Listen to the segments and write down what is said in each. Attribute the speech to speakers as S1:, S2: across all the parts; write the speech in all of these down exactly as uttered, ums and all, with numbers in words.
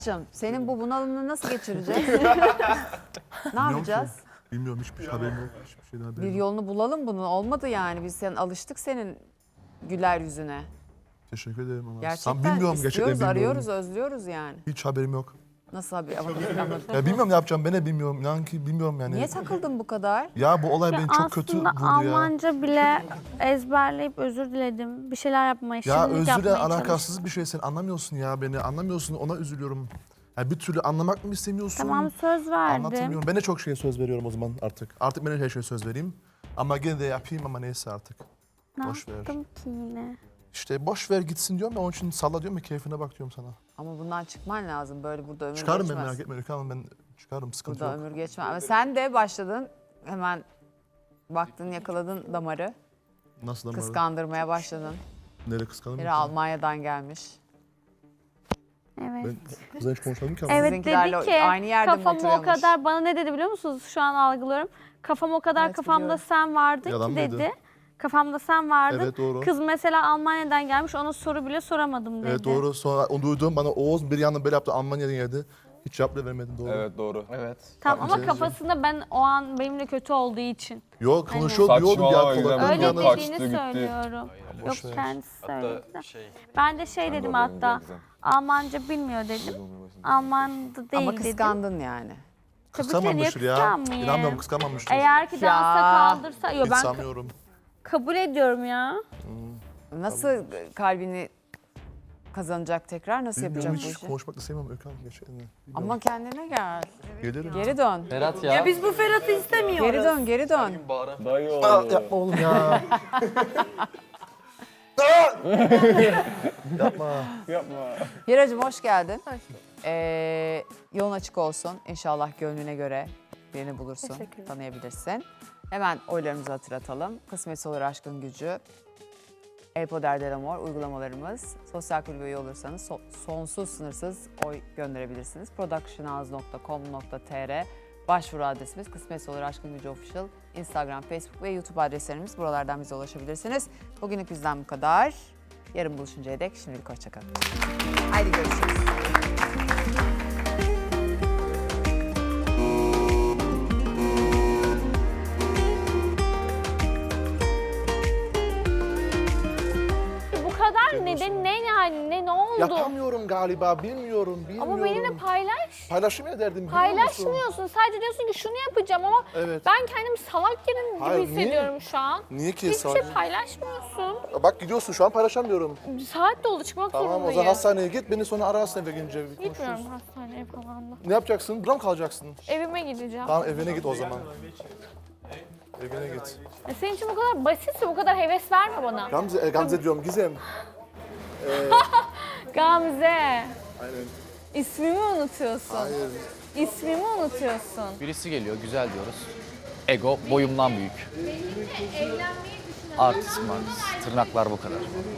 S1: Canım, senin bu bunalımını nasıl geçireceğiz? Ne yapacağız?
S2: Bilmiyorum, hiçbir şey haberim yok. Hiçbir şeyden haberim
S1: Bir
S2: yok.
S1: yolunu bulalım bunun. Olmadı yani. Biz sen alıştık senin güler yüzüne.
S2: Teşekkür ederim ama.
S1: Gerçekten
S2: Sen bilmiyorum, gerçekten
S1: istiyoruz,
S2: bilmiyorum.
S1: arıyoruz, özlüyoruz yani.
S2: Hiç haberim yok.
S1: Nasıl abi? Ama biz anladık.
S2: Ya bilmiyorum ne yapacağım, ben de bilmiyorum. İnan ki bilmiyorum yani.
S1: Niye takıldın bu kadar?
S2: Ya bu olay
S3: Ya
S2: beni çok kötü
S3: aslında
S2: vurdu ya.
S3: Almanca bile ezberleyip özür diledim. Bir şeyler yapmaya,
S2: Ya
S3: şirinlik
S2: özürle
S3: yapmaya çalıştım.
S2: alakasız bir şey, sen anlamıyorsun ya beni. Anlamıyorsun, ona üzülüyorum. Ya bir türlü anlamak mı istemiyorsun?
S3: Tamam, söz verdim.
S2: Anlatamıyorum. Ben de çok şeye söz veriyorum o zaman artık. Artık ben de her şeye söz vereyim. Ama gene de yapayım ama neyse artık.
S3: Ne
S2: Boş ver.
S3: yaptım ki yine?
S2: İşte boş ver gitsin diyorum ya, onun için salla diyorum ya, keyfine bak diyorum sana.
S1: Ama bundan çıkman lazım. Böyle burada ömür
S2: Çıkarım ben,
S1: geçmez.
S2: merak etme Öykü Hanım, ben çıkarım, sıkıntı
S1: Burada
S2: yok.
S1: ömür geçmez. Ama sen de başladın. Hemen baktın, yakaladın damarı.
S2: Nasıl damarı?
S1: Kıskandırmaya başladın.
S2: Nereye kıskandım?
S1: Biri Almanya'dan gelmiş.
S3: Evet.
S2: Ben kızla hiç konuşmadım ki ama.
S3: Evet,
S1: Sizinkilerle
S3: dedi ki
S1: aynı yerde mi
S3: kafam o
S1: oturuyormuş?
S3: kadar, bana ne dedi biliyor musunuz? Şu an algılıyorum. Kafam o kadar
S1: Evet,
S3: kafamda
S1: biliyorum.
S3: sen vardın
S2: Yalan
S3: ki
S2: mıydı?
S3: dedi. Kafamda sen vardın.
S2: Evet, doğru.
S3: Kız mesela Almanya'dan gelmiş, ona soru bile soramadım dedi.
S2: Evet doğru, sonra onu duydum, bana Oğuz bir yandan böyle yaptı, Almanya'dan geldi. Hiç cevap bile vermedin, doğru.
S4: Evet doğru.
S5: Evet.
S3: Tamam ama
S2: Şey
S3: kafasında ben o an benimle kötü olduğu için.
S2: Yok, konuşuyor
S4: Saçmalama,
S2: diyordum ya.
S4: güzel.
S2: Kolay.
S4: Ben
S3: Öyle
S4: yanına
S3: dediğini
S4: kaçtı, gitti.
S3: söylüyorum. Yok,
S2: boş ver.
S3: kendisi söyledi.
S5: Hatta şey,
S3: Ben de şey
S4: Ben de
S3: dedim
S4: oradayım,
S3: hatta,
S4: güzel,
S3: Almanca bilmiyor dedim. Alman da değil
S1: Ama
S3: dedim.
S1: kıskandın yani.
S3: Tabii ki de niye
S2: Kıskanmamıştır ya.
S3: kıskanmayayım?
S2: İnanmıyorum, kıskanmamıştır.
S3: Eğer ki dansa
S1: Ya.
S3: kaldırsa, yok
S2: Hiç
S3: ben
S2: sanmıyorum.
S3: kabul ediyorum ya.
S1: Nasıl kalbini kazanacak tekrar? Nasıl
S2: Bilmiyorum,
S1: yapacak bu
S2: hiç
S1: işi?
S2: konuşmak da sevmem Öykü Hanım, gerçekten. Bilmiyorum.
S1: Ama kendine gel.
S2: Gelirim.
S1: Geri dön.
S5: Ferhat ya.
S6: Biz bu Ferhat'ı istemiyoruz.
S1: Geri dön, geri dön.
S5: Bağıran
S4: Dayı
S2: Aa,
S4: oğlu.
S2: yapma oğlum ya. Yapma.
S4: Yapma.
S1: Hiracığım hoş geldin. Ee, yolun açık olsun. İnşallah gönlüne göre birini bulursun,
S3: Teşekkürler.
S1: tanıyabilirsin. Hemen oylarımızı hatırlatalım. Kısmetse olur aşkın gücü. El Poder del Amor uygulamalarımız. Sosyal kulübe üye olursanız so- sonsuz sınırsız oy gönderebilirsiniz. productionhouse nokta com nokta tr başvuru adresimiz. Kısmetse olur aşkın gücü official. Instagram, Facebook ve YouTube adreslerimiz. Buralardan bize ulaşabilirsiniz. Bugünlük bizden bu kadar. Yarın buluşuncaya dek şimdilik hoşçakalın. Haydi görüşürüz.
S3: Bu kadar neden, ne yani, ne, ne oldu?
S2: Yapamıyorum galiba, bilmiyorum, bilmiyorum.
S3: Ama benimle paylaş.
S2: Paylaşım ederdim, biliyor musun?
S3: Paylaşmıyorsun. Sadece diyorsun ki şunu yapacağım ama
S2: Evet.
S3: ben kendimi salak yerim gibi
S2: Hayır,
S3: hissediyorum şu an.
S2: Niye ki
S3: Hiçbir
S2: sadece?
S3: şey paylaşmıyorsun.
S2: Bak gidiyorsun, şu an paylaşamıyorum.
S3: Saat doldu, çıkmak
S2: Tamam, o
S3: zorundayım.
S2: zaman hastaneye git, beni sonra ararsın eve gelince. bir konuşuruz.
S3: Gitmiyorum hastaneye falan da.
S2: Ne yapacaksın? Burada mı kalacaksın?
S3: Evime gideceğim.
S2: Tamam, evine git o zaman. Evine git.
S3: E senin için bu kadar basitse bu kadar heves verme bana.
S2: Gamze, e, Gamze diyorum, Gizem.
S3: Gamze.
S2: Aynen.
S3: İsmimi unutuyorsun.
S2: Hayır.
S3: İsmimi unutuyorsun.
S5: birisi geliyor, güzel diyoruz. Ego boyumdan büyük. Artist martist, tırnaklar bu kadar.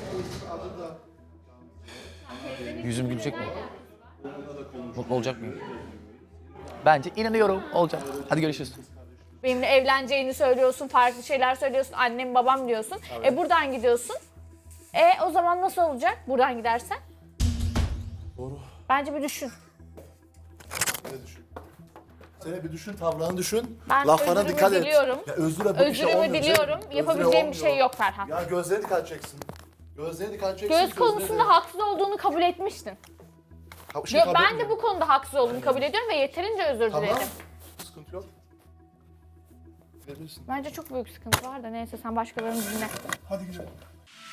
S5: Yüzüm gülecek mi? Mutlu olacak mıyım? Bence inanıyorum, olacak. Hadi görüşürüz.
S3: Benimle evleneceğini söylüyorsun, farklı şeyler söylüyorsun, annem babam diyorsun. E buradan gidiyorsun. E o zaman nasıl olacak buradan gidersen?
S2: Doğru.
S3: Bence bir düşün.
S2: Ne düşün? Sen bir düşün, tavrını düşün.
S3: Ben
S2: Laflarına
S3: özrümü
S2: dikkat et.
S3: diliyorum.
S2: Ya özüre bu işte
S3: Özürümü
S2: olmuyor.
S3: diliyorum.
S2: Özüre
S3: Yapabileceğim bir şey
S2: olmuyor.
S3: yok Ferhat.
S2: Ya gözlerine dikkat edeceksin. Gözlerine dikkat edeceksin.
S3: Göz konusunda haksız olduğunu kabul etmiştin.
S2: Ha, şey
S3: Yo,
S2: kabul
S3: ben de
S2: etmiyorum.
S3: bu konuda haksız olduğumu kabul ediyorum ve yeterince özür
S2: Tamam.
S3: diledim.
S2: Sıkıntı yok. Verirsin.
S3: Bence çok büyük sıkıntı var da neyse sen başkalarını dinle.
S2: Hadi gidelim.